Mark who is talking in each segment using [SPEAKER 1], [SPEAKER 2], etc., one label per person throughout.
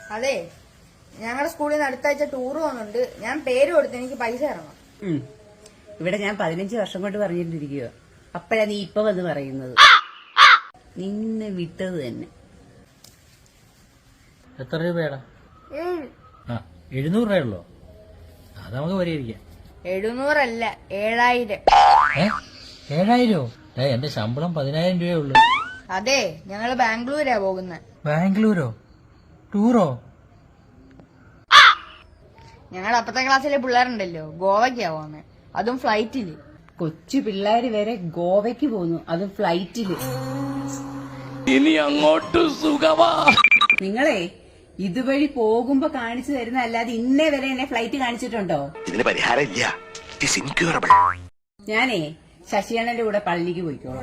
[SPEAKER 1] അതെ, ഞങ്ങളുടെ സ്കൂളിൽ നിന്ന് അടുത്ത ആഴ്ച ടൂർ പോകുന്നുണ്ട്. ഞാൻ പേര് കൊടുത്ത് എനിക്ക് പൈസ ഇറങ്ങും.
[SPEAKER 2] ഇവിടെ ഞാൻ 15 വർഷം കൊണ്ട് പറഞ്ഞിട്ടിരിക്കുക. അപ്പഴാ നീ ഇപ്പൊ വന്ന് പറയുന്നത്. നിന്നെ വിട്ടത് തന്നെ.
[SPEAKER 3] എത്ര രൂപയാടാ? 700 രൂപയുള്ളോ? അത് നമുക്ക് പരിഹരിക്കാം.
[SPEAKER 1] 700 അല്ല, 7000.
[SPEAKER 3] 7000? എന്റെ ശമ്പളം 10,000 രൂപയേ ഉള്ളൂ.
[SPEAKER 1] അതെ, ഞങ്ങള് ബാംഗ്ലൂരാ പോകുന്നത്.
[SPEAKER 3] ബാംഗ്ലൂരോ? ടൂറോ?
[SPEAKER 1] ഞങ്ങളുടെ അപ്പത്തെ ക്ലാസ്സിലെ പിള്ളേരുണ്ടല്ലോ, ഗോവയ്ക്കാ പോകുന്നത്, അതും ഫ്ലൈറ്റില്.
[SPEAKER 2] കൊച്ചു പിള്ളേര് വരെ ഗോവയ്ക്ക് പോന്നു, അതും ഫ്ലൈറ്റില്.
[SPEAKER 3] ഇനി അങ്ങോട്ട് സുഖമാ.
[SPEAKER 2] നിങ്ങളെ ഇതുവഴി പോകുമ്പോ കാണിച്ചു തരുന്ന അല്ലാതെ ഇന്നേ വരെ എന്നെ ഫ്ലൈറ്റ് കാണിച്ചിട്ടുണ്ടോ?
[SPEAKER 4] ഇതിന് പരിഹാരമില്ല.
[SPEAKER 2] ഞാനേ ശശിയണ്ണന്റെ കൂടെ പള്ളിക്ക് പോയിക്കോളാം.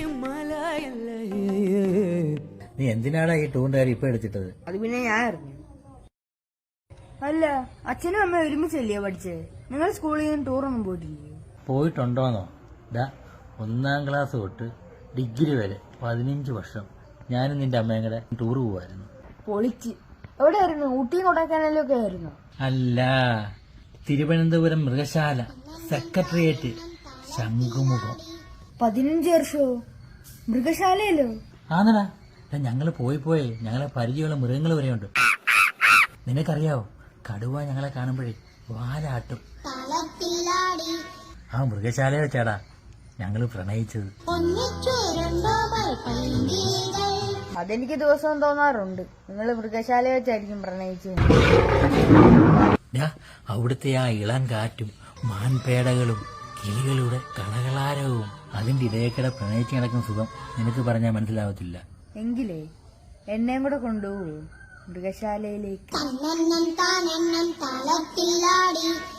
[SPEAKER 3] നീ എന്തിനാടാ ഈ ടൂറിന്റെ കാര്യം ഇപ്പൊ എടുത്തിട്ടത്?
[SPEAKER 1] അത് പിന്നെ ഞാൻ അറിഞ്ഞു. അല്ല, അച്ഛനും അമ്മ ഒരുമിച്ചല്ലേ പഠിച്ചേ? നിങ്ങൾ സ്കൂളിൽ നിന്ന് ടൂറൊന്നും പോയിട്ടില്ലേ?
[SPEAKER 3] പോയിട്ടുണ്ടോന്നോ? 1ാം ക്ലാസ് തൊട്ട് ഡിഗ്രി വരെ 15 വർഷം ഞാനും നിന്റെ അമ്മയും കൂടെ ടൂർ പോവായിരുന്നു.
[SPEAKER 1] പൊളിച്ച്. എവിടെയായിരുന്നു? ഊട്ടി കൊടൈക്കനാലും ഒക്കെ ആയിരുന്നു?
[SPEAKER 3] അല്ല, തിരുവനന്തപുരം മൃഗശാല, സെക്രട്ടേറിയറ്റ്, ശംഖുമുഖം.
[SPEAKER 1] 15 വർഷമോ? മൃഗശാലയല്ലോ?
[SPEAKER 3] ആന്നടാ, ഞങ്ങള് പോയി ഞങ്ങളെ പരിചയമുള്ള മൃഗങ്ങൾ വരെയുണ്ട്. നിനക്കറിയാവോ, കടുവ ഞങ്ങളെ കാണുമ്പോഴേ വാലാട്ടും. ആ മൃഗശാല വെച്ചാടാ ഞങ്ങള് പ്രണയിച്ചത്.
[SPEAKER 1] അതെനിക്ക് ദിവസവും തോന്നാറുണ്ട്. നിങ്ങൾ മൃഗശാല വെച്ചായിരിക്കും പ്രണയിച്ചത്.
[SPEAKER 3] അവിടുത്തെ ആ ഇളം കാറ്റും മാൻപേടകളും കിളികളുടെ കളകളാരവും അതിന്റെ ഇടയക്കിടെ പ്രണയിച്ച് കിടക്കുന്ന സുഖം നിനക്ക് പറഞ്ഞാൽ മനസ്സിലാവത്തില്ല.
[SPEAKER 1] എങ്കിലേ എന്നെയും കൂടെ കൊണ്ടുപോകൂ മൃഗശാലയിലേക്ക്.